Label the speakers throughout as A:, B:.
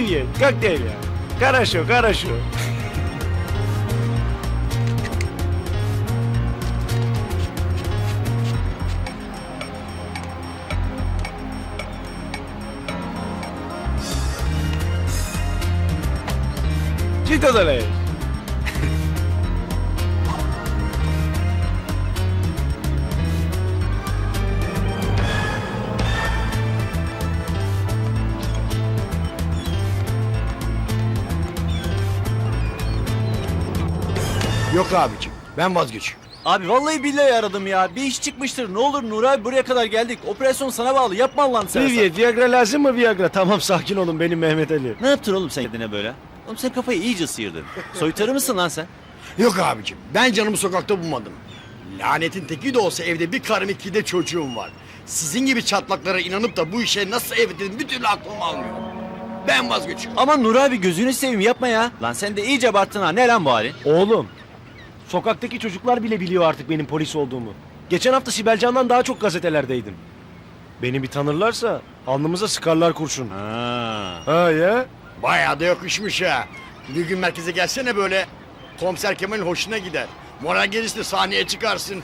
A: Привет, как дела? Хорошо, хорошо. Что делаешь?
B: Yok abicim, ben vazgeçiyorum.
C: Abi vallahi billahi aradım ya. Bir iş çıkmıştır. Ne olur Nur abi, buraya kadar geldik. Operasyon sana bağlı. Yapma Allah'ını seversen.
A: Привет, Viagra lazım mı Viagra? Tamam sakin olun benim Mehmet Ali.
C: Ne yaptın oğlum sen kendine böyle? Oğlum sen kafayı iyice sıyırdın. Soytarı mısın lan sen?
B: Yok abicim, ben canımı sokakta bulmadım. Lanetin teki de olsa evde bir karım iki de çocuğum var. Sizin gibi çatlaklara inanıp da bu işe nasıl evet dedim bir türlü aklım almıyor. Ben vazgeçiyorum.
C: Aman Nur abi gözünü seveyim yapma ya. Lan sen de iyice abarttın ha. Ne lan bu halin?
A: Oğlum, sokaktaki çocuklar bile biliyor artık benim polis olduğumu. Geçen hafta Sibel Can'dan daha çok gazetelerdeydim. Beni bir tanırlarsa alnımıza sıkarlar kurşun. Ha ya?
B: Bayağı da yakışmış ha. Bir gün merkeze gelsene böyle. Komiser Kemal'in hoşuna gider. Moral gelirse sahneye çıkarsın.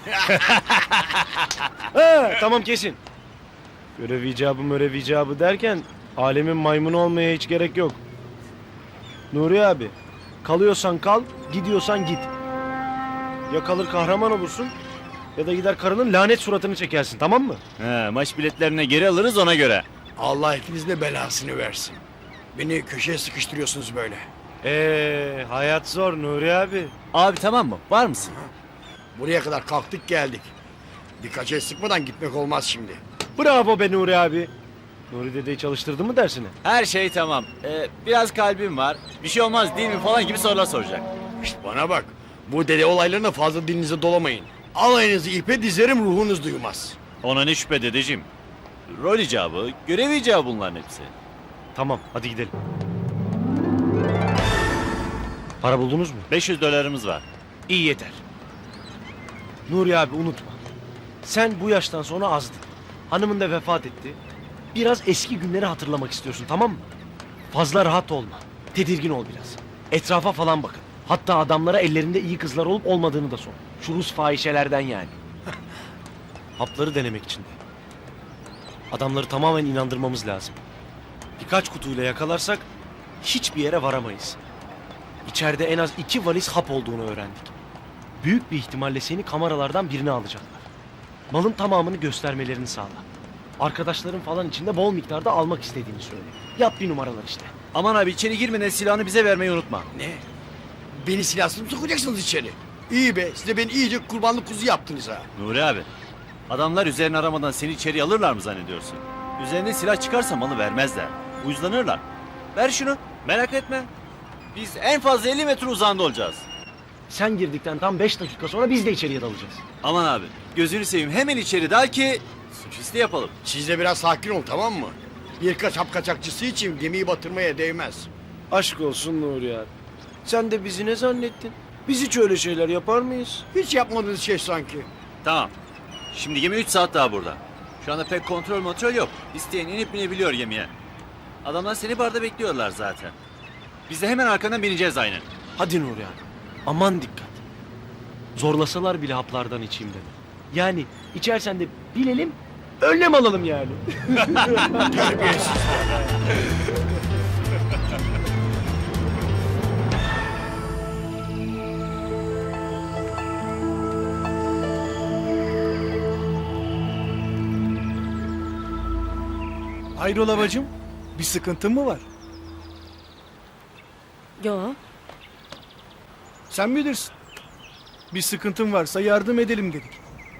A: Ha, tamam kesin. Görev icabı derken alemin maymunu olmaya hiç gerek yok. Nuri abi, kalıyorsan kal, gidiyorsan git. Ya kalır kahraman olursun ya da gider karının lanet suratını çekersin, tamam mı?
C: He, maç biletlerine geri alırız ona göre.
B: Allah hepinizin de belasını versin. Beni köşeye sıkıştırıyorsunuz böyle.
A: Hayat zor Nuri abi.
C: Abi tamam mı? Var mısın?
B: Buraya kadar kalktık geldik. Birkaç el sıkmadan gitmek olmaz şimdi.
A: Bravo be Nuri abi. Nuri dedeyi çalıştırdı mı dersine?
C: Her şey tamam. Biraz kalbim var. Bir şey olmaz değil mi falan gibi sorular soracak.
B: İşte bana bak. Bu dede olaylarına fazla dilinize dolamayın. Alayınızı ipe dizerim ruhunuz duymaz.
C: Ona ne şüphe dedeciğim. Rol icabı, görev icabı bunların hepsi.
A: Tamam hadi gidelim. Para buldunuz mu?
C: $500 var.
A: İyi yeter. Nuri abi unutma. Sen bu yaştan sonra azdın. Hanımın da vefat etti. Biraz eski günleri hatırlamak istiyorsun, tamam mı? Fazla rahat olma. Tedirgin ol biraz. Etrafa falan bakın. Hatta adamlara ellerinde iyi kızlar olup olmadığını da sor. Şu Rus fahişelerden yani. Hapları denemek için de. Adamları tamamen inandırmamız lazım. Birkaç kutuyla yakalarsak hiçbir yere varamayız. İçeride en az 2 valiz hap olduğunu öğrendik. Büyük bir ihtimalle seni kameralardan birine alacaklar. Malın tamamını göstermelerini sağla. Arkadaşların falan içinde bol miktarda almak istediğini söyle. Yap bir numaralar işte.
C: Aman abi içeri girmeden silahını bize vermeyi unutma.
B: Ne? Beni silahsız mı sokacaksınız içeri? İyi be, siz de beni iyice kurbanlık kuzu yaptınız ha.
C: Nuri abi, adamlar üzerine aramadan seni içeri alırlar mı zannediyorsun? Üzerine silah çıkarsa malı vermezler. Uyuzlanırlar. Ver şunu, merak etme. Biz en fazla 50 metre uzağında olacağız.
A: Sen girdikten tam 5 dakika sonra biz de içeriye dalacağız.
C: Aman abi, gözünü seveyim hemen içeri dal ki suçüstü yapalım.
B: Siz de biraz sakin olun, tamam mı? Birkaç hap kaçakçısı için gemiyi batırmaya değmez.
A: Aşk olsun Nuri abi. Sen de bizi ne zannettin? Biz hiç öyle şeyler yapar mıyız?
B: Hiç yapmadığınız şey sanki.
C: Tamam. Şimdi gemi 3 saat daha burada. Şu anda pek kontrol yok. İsteyen inip binebiliyor gemiye. Adamlar seni barda bekliyorlar zaten. Biz de hemen arkandan bineceğiz aynen.
A: Hadi Nuri abi. Aman dikkat. Zorlasalar bile haplardan içeyim dedim. Yani içersen de bilelim, önlem alalım yani.
B: Terbiyesiz.
D: Hayrola bacım? Bir sıkıntın mı var?
E: Yo.
D: Sen bilirsin. Bir sıkıntın varsa yardım edelim dedik.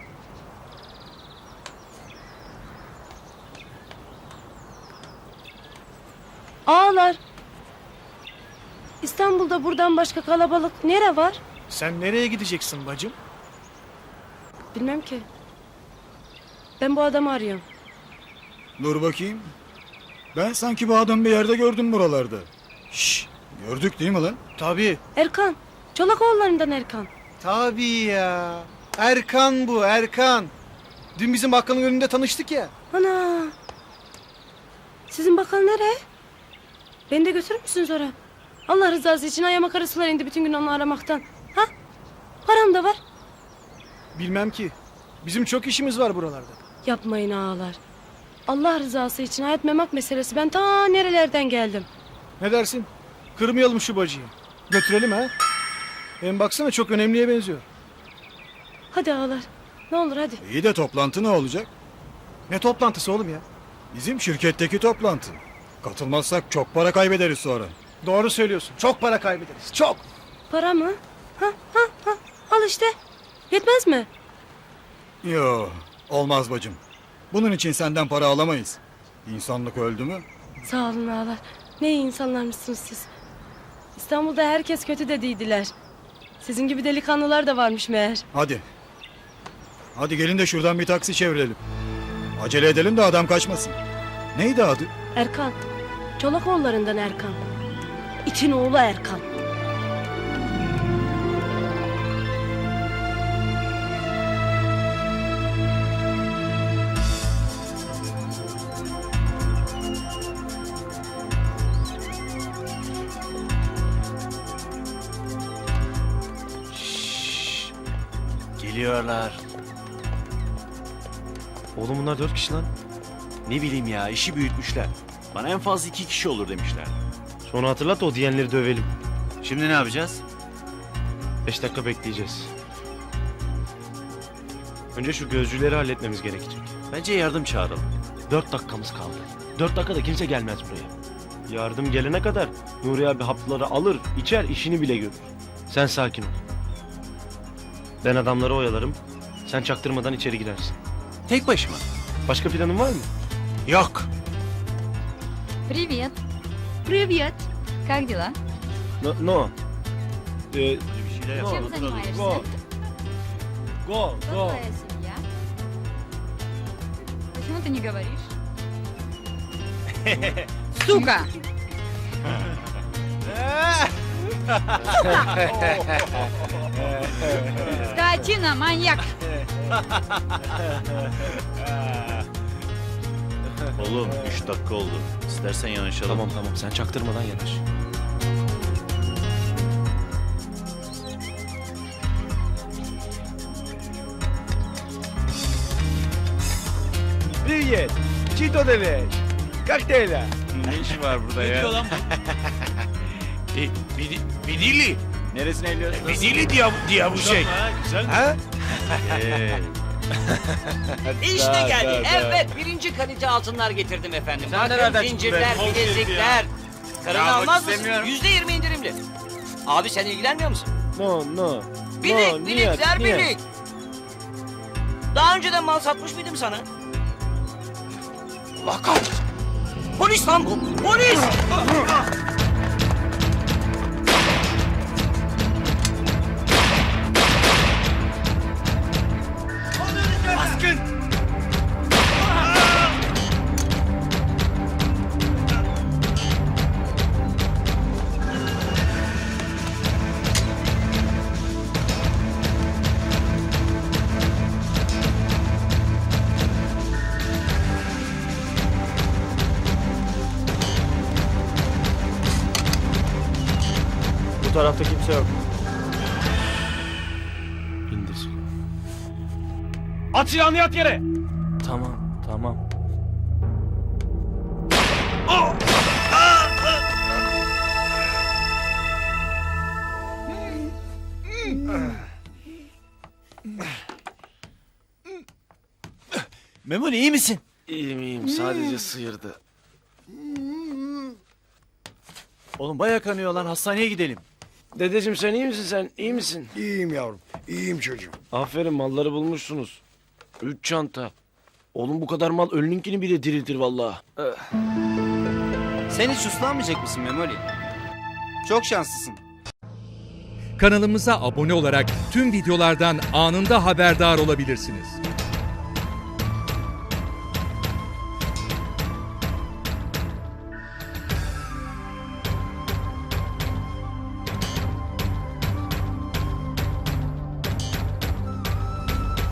E: Ağlar. İstanbul'da buradan başka kalabalık nere var?
D: Sen nereye gideceksin bacım?
E: Bilmem ki. Ben bu adamı arıyorum.
F: Dur bakayım. Ben sanki bu adamı bir yerde gördüm buralarda. Şşş, gördük değil mi lan?
D: Tabii.
E: Erkan. Çolakoğullarından Erkan.
D: Tabii ya. Erkan bu, Erkan. Dün bizim bakkalın önünde tanıştık ya.
E: Ana. Sizin bakkal nereye? Beni de götürür müsün sonra? Allah rızası için ayağıma karısılar indi bütün gün onu aramaktan. Ha? Param da var.
D: Bilmem ki. Bizim çok işimiz var buralarda.
E: Yapmayın ağalar. Allah rızası için hayat memak meselesi. Ben ta nerelerden geldim.
D: Ne dersin? Kırmayalım şu bacıyı. Götürelim ha. Hem baksana çok önemliye benziyor.
E: Hadi ağalar. Ne olur hadi.
F: İyi de toplantı ne olacak?
D: Ne toplantısı oğlum ya?
F: Bizim şirketteki toplantı. Katılmazsak çok para kaybederiz sonra.
D: Doğru söylüyorsun. Çok para kaybederiz. Çok.
E: Para mı? Ha. Al işte. Yetmez mi?
F: Yo, olmaz bacım. Bunun için senden para alamayız. İnsanlık öldü mü?
E: Sağ olun ağalar. Ne iyi insanlarmışsınız siz. İstanbul'da herkes kötü dediydiler. Sizin gibi delikanlılar da varmış meğer.
F: Hadi. Hadi gelin de şuradan bir taksi çevirelim. Acele edelim de adam kaçmasın. Neydi adı?
E: Erkan. Çolakoğullarından Erkan. İtin oğlu Erkan.
C: Geliyorlar.
A: Oğlum bunlar 4 kişi lan.
C: Ne bileyim ya, işi büyütmüşler. Bana en fazla 2 kişi olur demişler.
A: Sonra hatırlat da o diyenleri dövelim.
C: Şimdi ne yapacağız?
A: 5 dakika bekleyeceğiz. Önce şu gözcüleri halletmemiz gerekecek.
C: Bence yardım çağıralım.
A: 4 dakikamız kaldı. 4 dakikada kimse gelmez buraya. Yardım gelene kadar Nuri abi hapları alır, içer, işini bile görür. Sen sakin ol. Ben adamları oyalarım. Sen çaktırmadan içeri girersin.
C: Tek başıma.
A: Başka planın var mı?
C: Yok.
G: Привет.
E: Привет.
G: Как дела?
A: No.
C: Bir şeyler
G: Чем
C: yapalım.
G: занимаешься?
A: Go. Go,
G: Кто твоя семья? Почему ты не говоришь? Сука! Скотина, маньяк!
C: Oğlum 3 dakika oldu. İstersen yanaşalım.
A: Tamam sen çaktırmadan yanaş.
H: Привет! Чито делешь? Как дела?
C: Ne işi var burada ya? Ne diyor lan
H: Видели?
C: Neresine eliyorsun?
H: Видели дьявушек?
C: Güzel mi?
H: Ha?
I: İşte geldi. Evet, birinci kalite altınlar getirdim efendim. Bakın zincirler, bilezikler. Karını
C: Ya,
I: almaz mısın?
C: istemiyorum.
I: %20 indirimli. Abi sen ilgilenmiyor musun?
A: No.
I: Bilik, bilikler bilik. Daha önceden mal satmış mıydım sana? Allah kahretsin. Polis lan bu. Polis!
H: Baskın!
A: Bu tarafta kimse yok. İndir.
H: At silahını yat yere!
A: Tamam.
C: Memoli iyi misin?
A: İyiyim sadece sıyırdı.
C: Oğlum bayağı kanıyor lan, hastaneye gidelim.
A: Dedeciğim sen iyi misin sen? İyi misin?
B: İyiyim yavrum. İyiyim çocuğum.
A: Aferin malları bulmuşsunuz. 3 çanta. Oğlum bu kadar mal ölününkini bile diriltir vallahi.
I: Sen hiç uslanmayacak mısın Memoli? Çok şanslısın.
J: Kanalımıza abone olarak tüm videolardan anında haberdar olabilirsiniz.